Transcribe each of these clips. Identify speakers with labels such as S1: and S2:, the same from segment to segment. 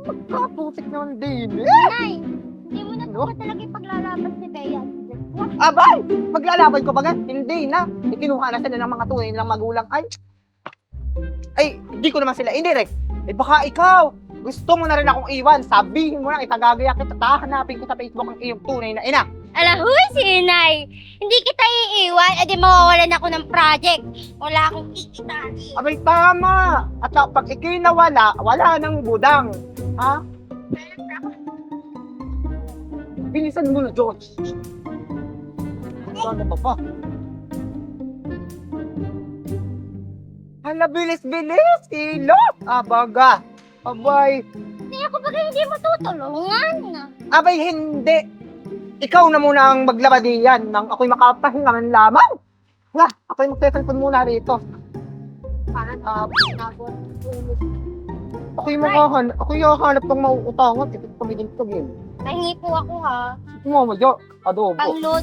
S1: Kaputik naman din.
S2: Nay, hindi mo na po ba talaga ipaglalaban si Bea?
S1: Abay! Maglalaban ko ba nga? Hindi na. Ikinuha na sila ng mga tunay nilang magulang. Ay, hindi ko naman sila indirect. Eh baka ikaw, gusto mo na rin akong iwan. Sabihin mo na, itagagaya kita. Tahanapin ko sa Facebook ang iyong tunay na ina.
S2: Alahoy, si Inay! Hindi kita iiwan, edi mawawalan ako ng project. Wala akong kikitain.
S1: Abay, tama. At pag ikay nawala, wala nang budang. Ha? Bilisan mo na, George. Ano ba pa? Hala, bilis-bilis! Ilot! Abaga! Abay!
S2: Hindi ako bagay hindi matutulungan.
S1: Abay, hindi! Ikaw na muna ang maglaba diyan nang ako'y makapahinga man lamang! Nga, ako'y magtetelefon muna rito. Ako'y hahanap pang mauutangan. Ito pamilin ko, game.
S2: Pahingi po ako ha.
S1: Mamadyo, adobo.
S2: Pang-load.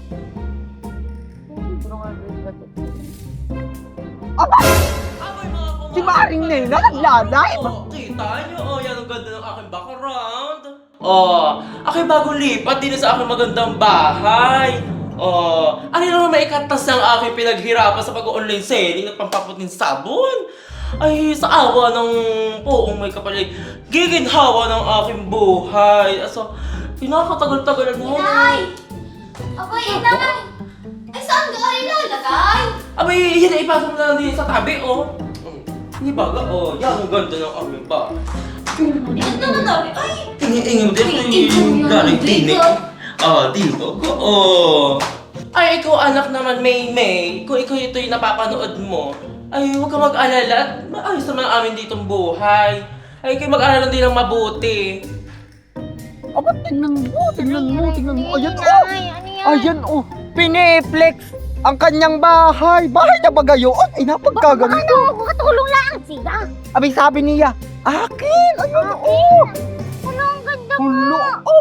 S1: Aba!
S3: Abay mga kumain!
S1: Si Maring Nena, naglalay!
S3: Oh, kita nyo, oh, yan ang ganda ng aking background. Oh, aking bagong lipat din sa aking magandang bahay. Oh, ano naman maikatas ng aking pinaghirapan sa pag-online selling at pampaputin sabon? Ay, sa awa ng poong may kapalit, giginhawa ng aking buhay. So, pinakatagal-tagal na.
S2: Inay! Abay, Inay! Ay, saan ka ilalagay?
S3: Abay, yan na ipasok na lang din sa tabi, oh. Hindi baga, oh, yan ang ganda ng aming bahay.
S2: Ito na daw. Ay!
S3: Ingi-ingi mo din yung galing tinik. Ah, dito ko, oh. Ay, ikaw anak naman, May. Kung ikaw ito yung napapanood mo, ay huwag ka mag-alala. Maayos naman ang amin ditong buhay. Ay, kayo mag-alala din ng mabuti.
S1: Aba, tingnan mo. Ayan, oh.
S2: Inay, ano yan?
S1: Ayan, oh. Piniplex ang kanyang bahay. Bahay na ba gayon? Ay, napagkaganito.
S2: Ano? Makatulong lang siya.
S1: Abay, sabi niya, akin! Ayun, oh!
S2: Ano ang ganda
S1: Hulo!
S2: mo?